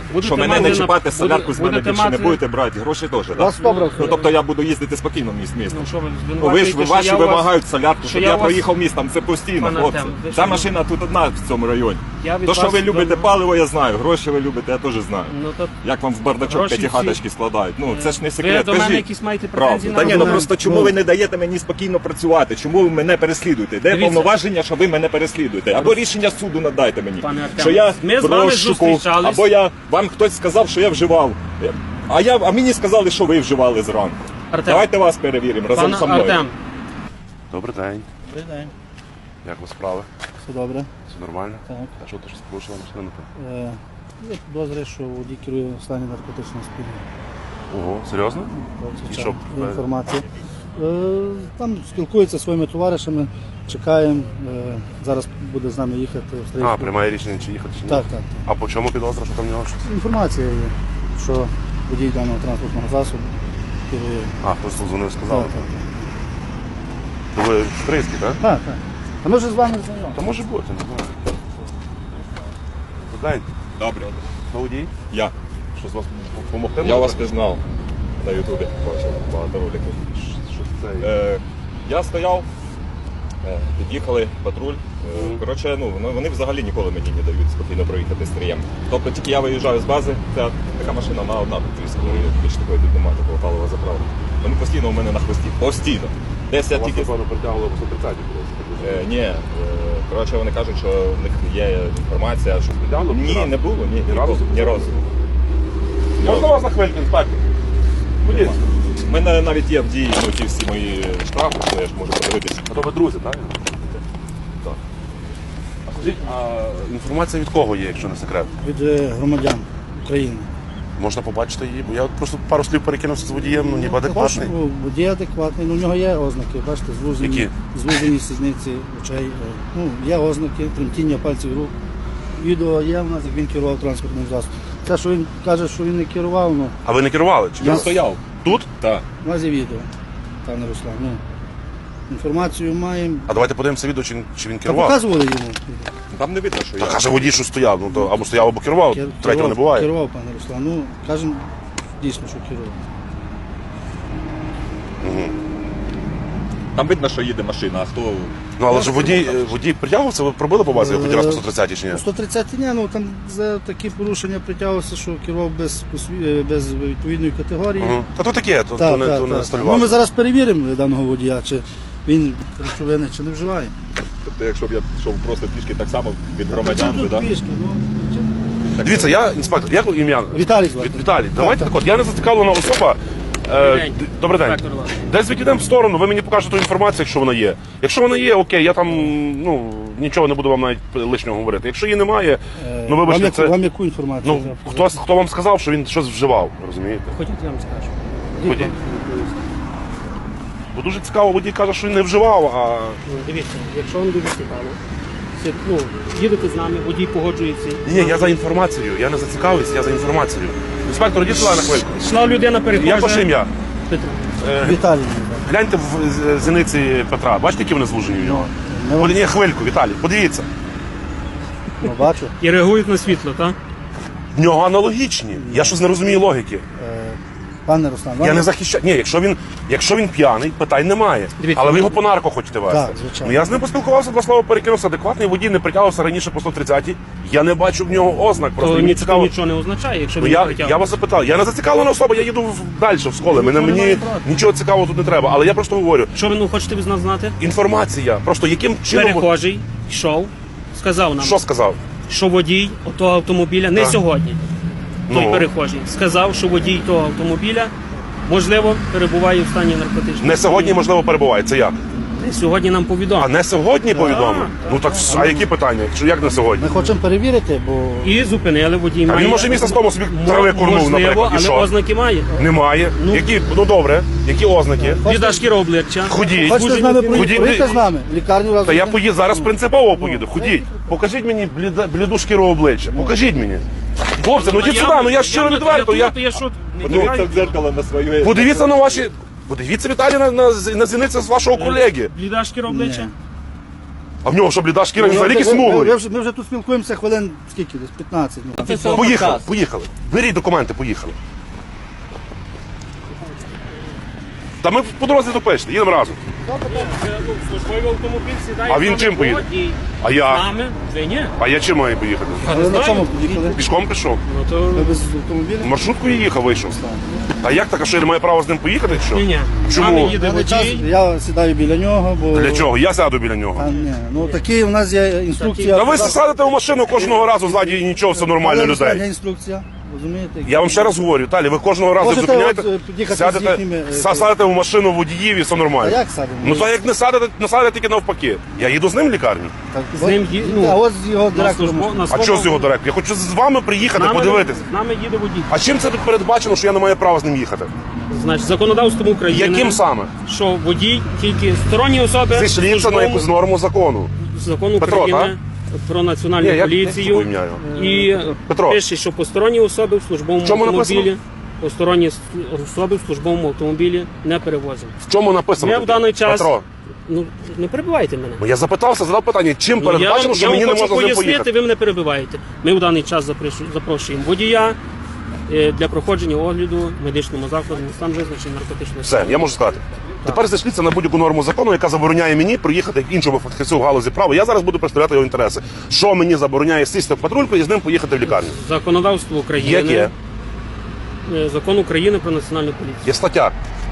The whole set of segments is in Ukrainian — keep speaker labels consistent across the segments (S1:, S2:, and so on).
S1: що мене не чіпати, солярку з мене більше не будете брати, гроші теж, так? Ну, тобто я буду їздити спокійно містом. Ваші вимагають солярку, щоб я проїхав містом, це постійно, хлопці. Ця машина тут одна в цьому районі. То, що ви любите паливо, я знаю, гроші ви любите, я теж знаю. Як вам в бардачок п'ятихаточки складають, ну це ж не секрет,
S2: Ви до мене
S1: кажіть.
S2: якісь маєте претензії
S1: Та
S2: на
S1: ні, ну
S2: мене?
S1: просто чому ви не даєте мені спокійно працювати, чому ви мене переслідуєте? Де повноваження, що ви мене переслідуєте? Або рішення суду надайте мені,
S2: Пане Артем,
S1: що я
S2: ми з
S1: в
S2: вами
S1: розшуку,
S2: зустрічались.
S1: або вам хтось сказав, що я вживав. А мені сказали, що ви вживали зранку.
S2: Артем.
S1: Давайте вас перевіримо разом
S2: Пане
S1: зі мною.
S2: Артем,
S3: Добрий день.
S4: Добрий день.
S3: Як у вас справи?
S4: Все добре.
S3: Все нормально?
S4: Так.
S3: А що ти щось порушила машину?
S4: Є підозри, що водій керує в стані наркотичного сп'яніння.
S3: Ого, серйозно? І що?
S4: Є інформація. Там спілкується зі своїми товаришами, чекаємо. Зараз буде з нами їхати в
S3: А,
S4: Стрийську.
S3: приймає рішення, чи їхати, чи ні?
S4: Так, так.
S3: А по чому підозра, що там в нього щось?
S4: Інформація є, що водій даного транспортного засобу керує.
S3: А, хтось дзвонив, сказав.
S4: Так, так, так.
S3: То ви Стрийський, так?
S4: Так, так. А ми вже з вами знайомі.
S3: Та може бути, не знаю. Добрий день.
S1: Добре.
S3: Хто водій?
S1: Я.
S3: Що з вас допомогти?
S1: Я вас пізнав на Ютубі. Бачив багато роликів.
S3: Що це?
S1: Я стояв, під'їхали патруль. Коротше, вони взагалі ніколи мені не дають спокійно проїхати стрієм. Тобто тільки я виїжджаю з бази, ця така машина на одна тут більш такої тут немає такого палива заправки. Вони постійно у мене на хвості. Постійно. Десь я
S3: Вас,
S1: тільки.
S3: напевно, притягували по 130
S1: Ні, коротше, вони кажуть, що в них є інформація, що
S3: Притягнули?
S1: ні, не було, ні,
S3: Ні разу?
S1: ні разу.
S3: Можна вас на хвильку, інспектор? Ходіть.
S1: У мене навіть є в дії ті всі мої штрафи, що я ж можу подивитися.
S3: А то ви друзі, так?
S1: Так.
S3: А скажіть, а інформація від кого є, якщо не секрет?
S4: Від громадян України.
S3: Можна побачити її, бо я от просто пару слів перекинувся з водієм, ну ніби адекватний.
S4: Водій адекватний, ну в нього є ознаки, бачите,
S3: Які?
S4: звужені сідниці очей. Ну, є ознаки, тремтіння пальців рук. Відео є в нас, як він керував транспортним засобом. Те, що він каже, що він не керував, ну,
S3: А ви не керували? Чи
S1: Я
S3: ви?
S1: стояв.
S3: Тут?
S1: Так.
S4: у нас є відео, пане Руслан. Ну, інформацію маємо.
S3: А давайте подивимося відео, чи він
S4: Та
S3: керував.
S4: показували йому.
S1: Там не видно, що
S3: Та
S1: я.
S3: каже водій, що стояв, ну то або стояв, або керував, третього не буває.
S4: Керував, пане Руслан. Ну, кажемо, дійсно, що керував.
S1: Там видно, що їде машина, а хто.
S3: Ну але ж водій притягувався, ви пробили по базі хоч раз по 130 чи ні?
S4: 130 ні, ну там за такі порушення притягувався, що керував без відповідної категорії.
S3: Та то таке, то
S4: Так,
S3: не
S4: так, так.
S3: столь
S4: Ну, ми
S3: важко.
S4: зараз перевіримо даного водія, чи він речовини, чи не вживає.
S1: Тобто, якщо б я йшов просто пішки так само від громадян,
S4: Тут
S1: так?
S4: пішки, ну,
S3: Дивіться, я інспектор, як ім'я?
S4: Віталій звати.
S3: Віталій, давайте так от, я не зацікавлена особа.
S2: день.
S3: Добрий день.
S2: Інспектор Іван.
S3: Десь відійдемо в сторону, ви мені покажете ту інформацію, якщо вона є. Якщо вона є, окей, я там нічого не буду вам навіть лишнього говорити. Якщо її немає, ну вибачте, це.
S4: Вам яку інформацію?
S3: Ну, хто вам сказав, що він щось вживав, розумієте?
S2: хотіть, я вам скажу.
S3: Водій. Бо дуже цікаво, водій каже, що він не вживав, а.
S2: Дивіться, якщо вам дуже цікаво, їдете з нами, водій погоджується.
S3: Ні, я за інформацією, я не зацікавився, я за інформацією. Інспектор, йдіть сюди на хвильку.
S2: Йшла людина перехожа.
S3: Як ваше ім'я?
S2: Петро.
S4: Віталій.
S3: Гляньте в зіниці Петра. Бачите, які вони звужені в нього? Ні, хвильку, Віталій, подивіться.
S4: Ну, бачу.
S2: І реагують на світло, так?
S3: В нього аналогічні. Я щось не розумію логіки.
S4: Пане Руслан,
S3: Я не захищаю. Ні, якщо він п'яний, питань немає.
S2: Дивіться,
S3: Але ви його по нарко хочете вести.
S4: Так, звичайно.
S3: Ну я з ним поспілкувався, два слова перекинувся. Адекватний водій не притягувався раніше по 130-й. Я не бачу в нього ознак. Просто
S2: То
S3: мені цікаво.
S2: нічого не означає, якщо
S3: Ну,
S2: він
S3: я
S2: притягнув.
S3: вас запитав, я не зацікавлена особа, я їду далі в школи. Мені нічого цікавого тут не треба. Але я просто говорю,
S2: Що ви хочете від нас знати?
S3: інформація. Просто яким чином.
S2: Перехожий йшов, сказав нам,
S3: Що сказав?
S2: що водій того автомобіля, не
S3: Так.
S2: сьогодні, той
S3: Ну.
S2: перехожий, сказав, що водій того автомобіля, можливо, перебуває в стані наркотичного.
S3: Не сьогодні, можливо, перебуває. Це як?
S2: Сьогодні нам повідомив.
S3: А не сьогодні повідомив? Ну так а які питання? Як не сьогодні?
S4: Ми хочемо перевірити, бо
S2: І зупинили водій.
S3: А
S2: має-
S3: він може місяць тому собі трави курнув,
S2: Можливо,
S3: наприклад, і
S2: але
S3: що?
S2: ознаки має.
S3: Немає. Які? Ну добре. Які ознаки?
S2: Біда шкіра обличчя.
S3: Ходіть.
S4: хочете з нами
S3: Ходіть.
S4: проїхати з нами? В лікарню разом.
S3: Та я
S4: з ним?
S3: поїду, зараз принципово поїду. Ходіть. Покажіть мені бліду шкіру обличчя. Покажіть мені. Хлопці, ну йдіть сюди, ну я щиро відверто.
S2: Я що?
S1: Подивіться в дзеркало на своє.
S3: Подивіться на ваші. Подивіться, Віталій, на зіниці з вашого колеги.
S2: Бліда шкіра обличчя?
S3: А в нього що, бліда шкіра, він взагалі якийсь смуглий.
S4: Ми вже тут спілкуємося хвилин, скільки десь, 15. Ну.
S3: Поїхали. Беріть документи, поїхали. Та ми по дорозі допишете, їдемо разом.
S2: Службовий автомобіль сідає.
S3: А він чим поїде? А я?
S2: З нами? Ви ні.
S3: А я чим маю поїхати?
S4: Ви на чому поїхали?
S3: Пішком пішов.
S2: Ну то...
S4: Ви без автомобіля?
S3: Маршруткою їхав, вийшов. А як так, а що я не маю права з ним поїхати, чи що?
S2: Ні. З
S3: Чому?
S2: нами їде
S4: Даний час
S2: водій.
S4: я сідаю біля нього, бо...
S3: Для чого? Я сяду біля нього.
S4: А, ні. Ну такі у нас є інструкція.
S3: Та ви садите в машину кожного разу ззаді і нічого, все нормально
S4: Але є
S3: людей.
S4: інструкція, розумієте?
S3: Я вам ще раз говорю, Віталій, ви кожного разу
S4: Можете
S3: зупиняєте,
S4: от, під'їхати з
S3: сядете,
S4: їхніми,
S3: садите в машину водіїв і все нормально.
S4: А як садимо?
S3: Ну то як не садите тільки навпаки. Я їду з ним в лікарню.
S4: Так,
S2: З ним
S4: а от з його
S2: на
S4: директором.
S2: службу- на
S3: А
S2: своєму-
S3: що з його директор? Я хочу з вами приїхати, подивитися.
S2: З нами їде водій.
S3: А чим це тут передбачено, що я не маю права з ним їхати?
S2: Значить, законодавством України.
S3: Яким саме?
S2: Що водій тільки сторонні особи.
S3: Зійшліться на
S2: службовому-
S3: якусь норму закону.
S2: Закон
S3: Петро,
S2: України про національну
S3: Ні, я
S2: поліцію.
S3: не ім'я його.
S2: І
S3: Петро.
S2: пише, що посторонні особи в службовому
S3: В чому
S2: автомобілі.
S3: написано?
S2: Посторонні особи в службовому автомобілі не перевозимо.
S3: В чому написано?
S2: Ми в даний час.
S3: Петро,
S2: Ну не перебивайте мене.
S3: я запитався, задав питання, чим
S2: Ну,
S3: передбачено, що
S2: я
S3: мені
S2: вам
S3: не
S2: хочу
S3: можна з ним
S2: пояснити,
S3: поїхати?
S2: ви мене перебиваєте. Ми в даний час запрошуємо водія для проходження огляду в медичному закладі на стан визначення наркотичного
S3: Все, я можу сказати. Тепер зайшліться на будь-яку норму закону, яка забороняє мені приїхати як іншому фахівцю в галузі права. Я зараз буду представляти його інтереси. Що мені забороняє сісти в патрульку і з ним поїхати в лікарню?
S2: законодавство України.
S3: Яке?
S2: Закон України про національну поліцію.
S3: Є стаття.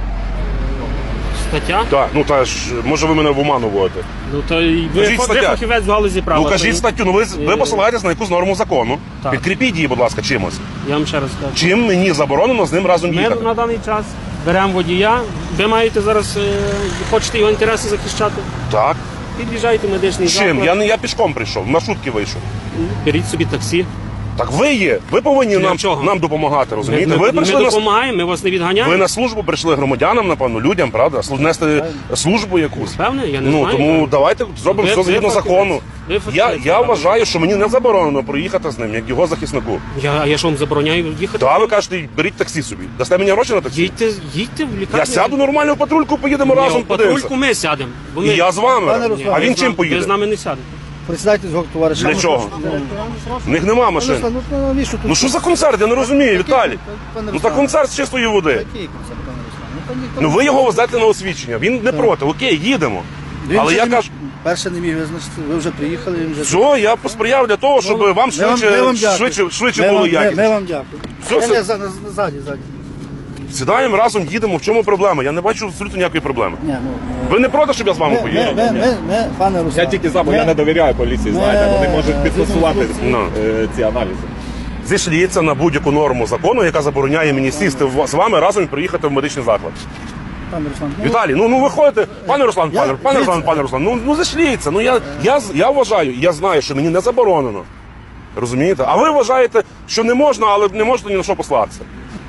S2: Стаття.
S3: Так, ну та ж, може ви мене в оману вводите.
S2: Ну то й ви,
S3: Кажіть
S2: ви
S3: стаття.
S2: фахівець в галузі права.
S3: Ну кажіть
S2: то
S3: статтю, ну ви посилаєтесь на якусь норму закону.
S2: Так.
S3: Підкріпіть її, будь ласка, чимось.
S2: Я вам ще раз кажу.
S3: Чим мені заборонено з ним разом
S2: Ми
S3: їхати?
S2: на даний час беремо водія. Ви маєте зараз, хочете його інтереси захищати?
S3: Так.
S2: Під'їжджайте в медичний
S3: Чим?
S2: заклад.
S3: Я пішком прийшов, на шутки вийшов.
S2: Беріть собі таксі.
S3: Так ви є. Ви повинні
S2: Для чого?
S3: нам допомагати, розумієте?
S2: Ми
S3: Ви прийшли на
S2: допомагаємо, ми вас не відганяємо.
S3: ви на службу прийшли громадянам, напевно, людям, правда? Нести службу якусь.
S2: Певне, я не
S3: Ну
S2: знаю.
S3: тому давайте зробимо
S2: Ви-
S3: все згідно
S2: ви фахівець.
S3: закону.
S2: Ви
S3: Я
S2: фахівець.
S3: вважаю, що мені не заборонено проїхати з ним, як його захиснику.
S2: Я ж вам забороняю їхати.
S3: Та ви кажете, беріть таксі собі. Дасте мені гроші на таксі?
S2: Їдьте в лікарню.
S3: Я сяду нормально в патрульку, поїдемо
S2: Ні,
S3: разом
S2: в патрульку
S3: подивимося.
S2: ми сядемо. бо
S3: І
S2: ми-
S3: я з вами.
S4: Пане Руслан,
S3: А
S2: Ви
S3: він
S2: з
S3: чим
S2: нами- Ви
S3: поїде?
S2: з нами не сядете.
S4: Присідайте з його товаришами.
S3: Для чого? В них нема машин.
S4: Руслан, ну навіщо тут?
S3: Ну що за концерт? Я не розумію, Віталій.
S4: Пане
S3: Ну
S4: Руслан,
S3: та концерт з чистої води.
S4: Який концерт, пане Руслан? Ну, та ніхто
S3: Ну
S4: не
S3: ви його
S4: знає.
S3: везете на освідчення. Він не проти. Окей, їдемо.
S4: Він
S3: Але
S4: ще
S3: я
S4: не
S3: кажу,
S4: міг- перше не міг визначити, ви вже приїхали, він вже...
S3: все, я посприяв для того, щоб вам
S4: Ми вам дякую.
S3: швидше
S4: Ми
S3: було
S4: вам-
S3: якісно.
S4: Ми вам дякую.
S3: Все, все.
S4: Ззаді.
S3: Сідаємо разом, їдемо. В чому проблема? Я не бачу абсолютно ніякої проблеми.
S4: Ні, ну,
S3: Ви не проти, щоб я з вами поїхав?
S4: ми, пане Руслан.
S1: Я тільки за, бо я не довіряю поліції, знаєте, вони можуть підтасувати
S3: Ну.
S1: ці аналізи.
S3: Зійшліться на будь-яку норму закону, яка забороняє мені сісти з вами разом і приїхати в медичний заклад.
S4: Пане Руслан,
S3: Віталій, ну виходите, пане Руслан,
S4: Я-
S3: пане Руслан, ну зійшліться. Ну я вважаю, я знаю, що мені не заборонено. Розумієте? А ви вважаєте, що не можна, але не можете ні на що послатися.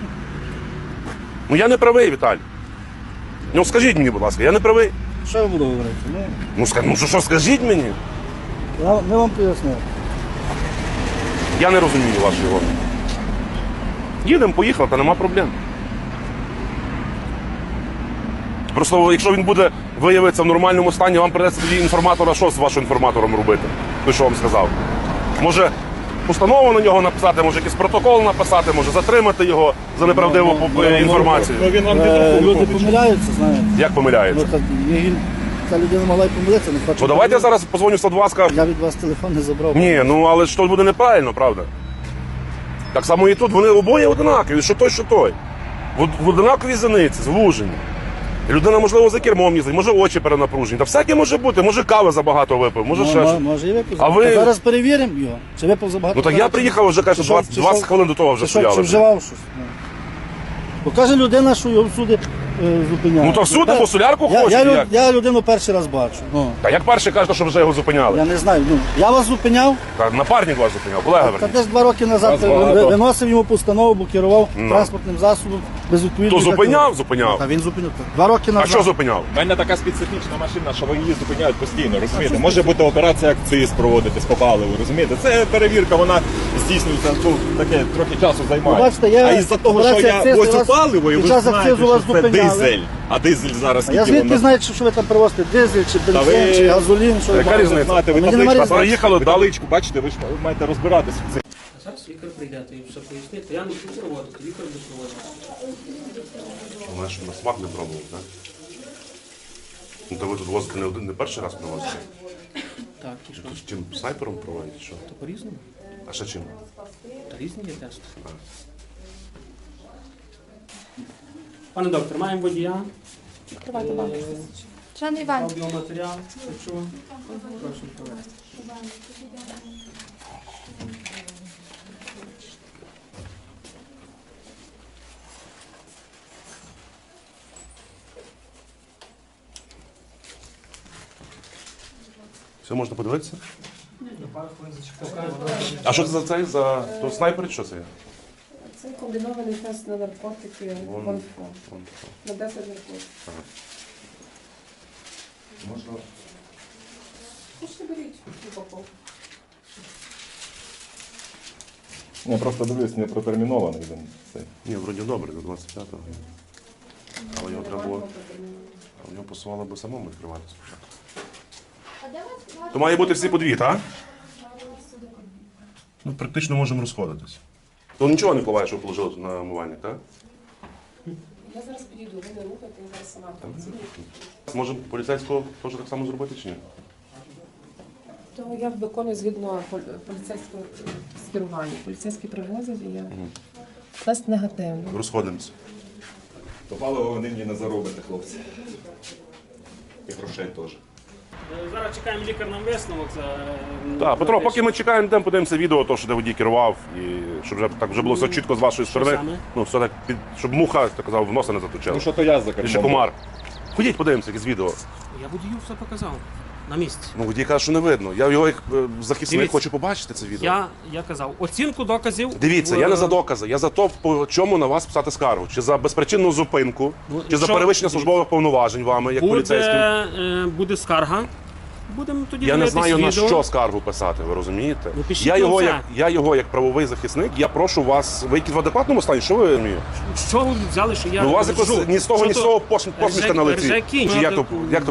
S3: Ну я не правий, Віталій. Ну скажіть мені, будь ласка, я не правий.
S4: що я буду говорити?
S3: Ну що скажіть мені?
S4: Ми вам пояснили.
S3: Я не розумію вашої логіки. Їдемо, поїхали, та нема проблем. Просто якщо він буде виявитися в нормальному стані, вам придеться тоді інформатора, що з вашим інформатором робити? Той, що вам сказав. Може постанову на нього написати, може якийсь протокол написати, може затримати його за неправдиву інформацію.
S1: Ну він вам
S4: Люди
S1: підрахує.
S4: помиляються, знаєте.
S3: Як помиляється?
S4: Ну, та людина могла й помилитися, не хоче.
S3: Ну давайте я зараз позвоню в 102, скажу.
S4: Я від вас телефон не забрав.
S3: Ні, ну але ж то буде неправильно, правда? Так само і тут, вони обоє одинакові, що той, що той. В одинаковій зениці, звужені. І людина, можливо, за кермом їздить, може очі перенапружені. Та всяке може бути, може кави забагато випив, може ще щось.
S4: Може і випив.
S3: А ви-
S4: Зараз перевіримо його. Чи випив забагато?
S3: Ну так я приїхав вже, каже,
S4: Чи що-
S3: 20
S4: чи
S3: 20
S4: що-
S3: хвилин до того вже
S4: Чи що, чи
S3: стояли.
S4: вживав щось? Ну. Бо каже людина, що його всюди зупиняють.
S3: Ну то всюди, бо солярку
S4: я,
S3: хочуть, як?
S4: я людину перший раз бачу. Ну,
S3: Та як перший кажете, що вже його зупиняли?
S4: я не знаю. Ну, я вас зупиняв,
S3: Та напарник вас зупиняв, колега
S4: та
S3: верніше.
S4: десь 2 роки назад
S1: Вас багато.
S4: виносив йому постанову, бо керував транспортним засобом без відповідної...
S3: То зупиняв, зупиняв.
S4: Та він зупиняв. 2 роки
S3: А
S4: назад.
S3: що зупиняв?
S1: У мене така специфічна машина, що ви її зупиняють постійно, розумієте? Може бути операція акциз проводитись по паливу, розумієте? Це перевірка, вона здійснюється, таке трохи часу займає.
S4: Бачите, я-
S1: А із-за того, що
S4: операція
S1: я
S4: акциз
S1: возю
S4: у вас
S1: паливо, і ви
S4: під час
S1: знаєте,
S4: акцизу вас
S1: що це
S4: зупиняли.
S1: дизель. А дизель зараз
S4: А я
S1: скільки
S4: звідки знаю, що ви там привозите? Дизель, чи
S1: Та
S4: бензин,
S1: ви-
S4: чи газолін, що ви
S3: Яка
S4: маєте?
S3: різниця?
S1: Знаєте, ви
S4: Мені немає
S1: табличку
S4: різниці.
S3: Приїхали
S1: ви
S3: далі.
S1: табличку бачите, ви ж маєте розбиратися в цій.
S2: Зараз лікар прийде, то і все пояснити. Я не буду проводити, лікар буде проводити.
S3: Вона ж на смак не пробував, так? Ну, то ви тут возите не перший раз привозите?
S2: Так, і що?
S3: З чим снайпером проводите? Що?
S2: То по-різному.
S3: А ще чим?
S2: Та різні є тести. Пане доктор, маємо водія.
S5: Тривайте вам. Шановний Іван,
S2: Аудіоматеріал. Якщо прошу провести.
S3: Все можна подивитися? А що це за цей? За то снайпер чи що це є?
S6: Це комбінований тест на наркотики ВОНФО. На 10 наркотиків.
S3: Можна.
S6: Хочете беріть упаковку.
S1: Я просто дивлюсь, не протермінований він цей.
S3: Ні, вроді добре, до 25-го. Але його треба було. А в нього посувало би самому відкривати спочатку. То має бути всі по дві, так? Ну, практично можемо розходитись. То нічого не впливає, що ви положили тут на умивальник, так?
S6: Я зараз підійду, ви не рухайте, я зараз сама працюю.
S3: Можемо поліцейського теж так само зробити чи ні?
S6: То я виконую згідно поліцейського скерування. Поліцейський привозить і я тест негативний.
S3: Розходимося.
S1: То паливо ви нині не заробите, хлопці. І грошей теж.
S2: Зараз чекаємо лікар нам висновок.
S3: Так, Петро, поки ми чекаємо, йдемо подивимося відео, то, що де водій керував, і щоб вже так вже було все чітко з вашої сторони.
S2: саме?
S3: Ну, все так, щоб муха, так казав, в носа не заточила.
S1: Ну що то я за
S3: І ще
S1: кермом.
S3: комар. Ходіть, подивимося, якесь відео.
S2: Я водію все показав. На місці.
S3: Ну, водій каже, що не видно. Я його як захисник
S2: Дивіться.
S3: хочу побачити це відео.
S2: Я казав, оцінку доказів.
S3: Дивіться, я не за докази, я за то, по чому на вас писати скаргу. Чи за безпричинну зупинку,
S2: Ну,
S3: чи за
S2: що-
S3: перевищення службових повноважень вами, як поліцейським.
S2: Буде скарга. Будемо тоді
S3: Я не
S2: дивитись
S3: знаю, на
S2: відео.
S3: що скаргу писати, ви розумієте?
S2: Ну, пишіть
S3: Я його,
S2: на
S3: я його як правовий захисник, я прошу вас, ви якісь в адекватному стані, що ви розумієте?
S2: Що ви взяли, що я
S3: Ну, у вас
S2: кажу?
S3: якось ні з того, ні з
S2: Що
S3: того
S2: то?
S3: посмішка на лиці.
S2: Ржаки.
S3: Чи як то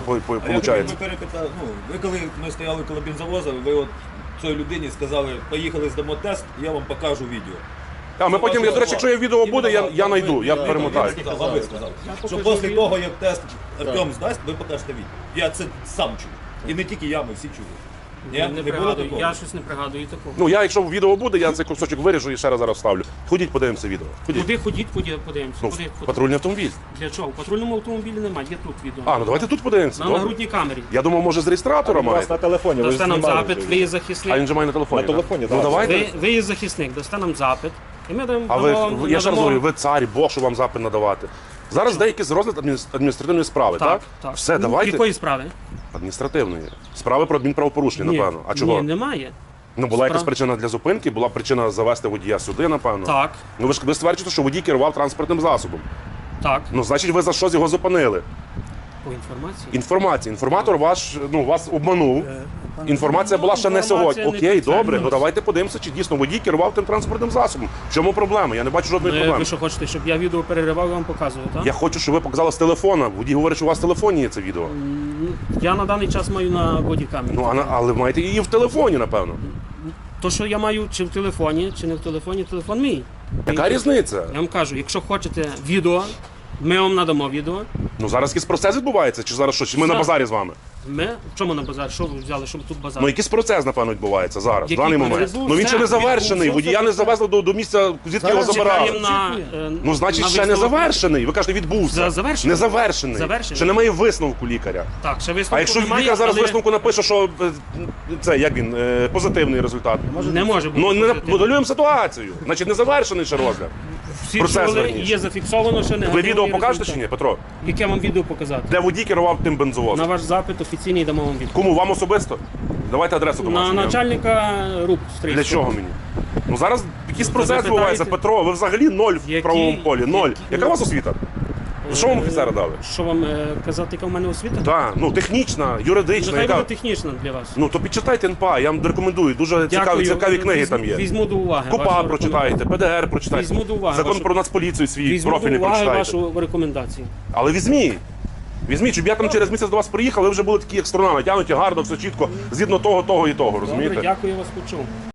S7: А
S3: виходить?
S7: ви перепитали, ви коли ми стояли коло бензовоза, ви от цій людині сказали, поїхали здамо тест, я вам покажу відео.
S3: А ми потім, я, до речі, якщо є відео буде, я знайду, я перемотаю.
S7: А ви сказали, що після того, як тест Артем здасть, ви покажете відео. Я це сам чув. І не тільки я, ми всі чули. Ні?
S2: Не
S7: Не було
S2: пригадую,
S7: такого?
S2: я щось не пригадую такого.
S3: Ну, я, якщо відео буде, я цей кусочок виріжу і ще раз зараз вставлю. Ходіть, подивимося відео. Ходіть.
S2: Куди ходіть, подивимося.
S3: Ну,
S2: Куди?
S3: патрульний автомобіль.
S2: Для чого? У патрульному автомобілі немає, є тут відео.
S3: А, ну давайте тут подивимося.
S2: На
S3: Добре.
S2: нагрудній камері.
S3: Я думав, може, з реєстратора
S1: У вас
S3: маєте.
S1: на телефоні, ви ж
S2: Дасте нам
S1: знімали
S2: запит,
S1: вже.
S2: ви є
S3: А
S2: захисник.
S3: він же має на телефоні.
S1: На
S3: так?
S1: телефоні,
S3: Ну
S1: так.
S3: давайте.
S2: Ви є захисник, дасте нам запит. І ми дамо.
S3: А ви, я ще раз говорю, ви цар, Бог, що вам запит надавати. Зараз деякі з розгляд адміністративної справи, так?
S2: Так.
S3: Все, давайте.
S2: Якої справи?
S3: Адміністративної. Справи про адмінправопорушення, напевно. А чого?
S2: Ні, немає.
S3: Ну, була якась
S2: Справ-
S3: причина для зупинки, була причина завести водія сюди, напевно.
S2: Так,
S3: Ну ви стверджуєте, що водій керував транспортним засобом.
S2: так.
S3: Ну, значить, ви за щось його зупинили.
S2: По інформації.
S3: Інформація. Інформатор вас обманув. Інформація була ще не
S2: Інформація
S3: сьогодні.
S2: не
S3: Окей, добре,
S2: підтверджується.
S3: ну давайте подивимося, чи дійсно водій керував тим транспортним засобом. В чому проблема? Я не бачу жодної проблеми.
S2: Ви що хочете, щоб я відео переривав і вам показував, так?
S3: Я хочу, щоб ви показали з телефона. Водій говорить, що у вас в телефоні є це відео.
S2: Я на даний час маю на бодікамері.
S3: Ну, але маєте її в телефоні, напевно.
S2: То, що я маю чи в телефоні, чи не в телефоні, телефон мій.
S3: Яка різниця?
S2: Я вам кажу, якщо хочете відео, ми вам надамо відео.
S3: Ну зараз якийсь процес відбувається, чи зараз що? Чи ми на
S2: Зараз.
S3: базарі з вами?
S2: Ми в чому на базар? Що ви взяли, щоб тут базар?
S3: Ну якийсь процес, напевно, відбувається зараз, в
S2: Який
S3: даний
S2: процес?
S3: момент.
S2: Відбувся,
S3: Ну він ще не завершений.
S2: відбувся.
S3: Водія не завезли до місця, звідки його забирали.
S2: Чекаємо на,
S3: Ну, значить,
S2: на
S3: ще не
S2: висновок.
S3: завершений. Ви кажете, відбувся.
S2: Завершений.
S3: Не завершений.
S2: Завершений.
S3: Ще немає висновку лікаря.
S2: Так, ще висновку
S3: А якщо
S2: немає,
S3: лікар зараз
S2: але
S3: висновку напише, що це як він позитивний результат.
S2: не може бути.
S3: Ну не
S2: позитивний.
S3: моделюємо ситуацію. Значить, не завершений ще розгляд.
S2: Всі
S3: процес
S2: чули,
S3: верніше.
S2: є зафіксовано, що
S3: Ви
S2: негативний
S3: відео покажете
S2: результат.
S3: чи ні, Петро?
S2: Яке вам відео показати?
S3: Де водій керував тим
S2: На
S3: бензовозом?
S2: ваш запит офіційний дамо вам відео.
S3: Кому вам особисто? Давайте адресу
S2: На
S3: домашню.
S2: начальника РУП
S3: Для чого мені? Ну зараз якийсь процес
S2: запитаєте?
S3: відбувається, Петро. Ви взагалі ноль в
S2: Який-
S3: правовому полі. Ноль.
S2: який-
S3: Яка у вас освіта? Що вам офіцера дали?
S2: Що вам казати, яка в мене освіта?
S3: Так, ну технічна, юридична,
S2: Нехай
S3: яка.
S2: буде технічна для вас.
S3: Ну то підчитайте НПА, я вам рекомендую. Дуже цікаві книги там є.
S2: Візьму до уваги.
S3: КОПА
S2: вашу
S3: прочитайте, ПДР прочитайте.
S2: Візьму до уваги
S3: Закон
S2: вашу-
S3: про Нацполіцію свій
S2: Візьму до
S3: профільний
S2: уваги
S3: прочитайте.
S2: вашу рекомендацію.
S3: Але візьміть. Візьміть, щоб я там через місяць до вас приїхав, ви вже були такі як струна, натягнуті гарно, все чітко, згідно того і того, розумієте?
S2: Добре, дякую, я вас почув.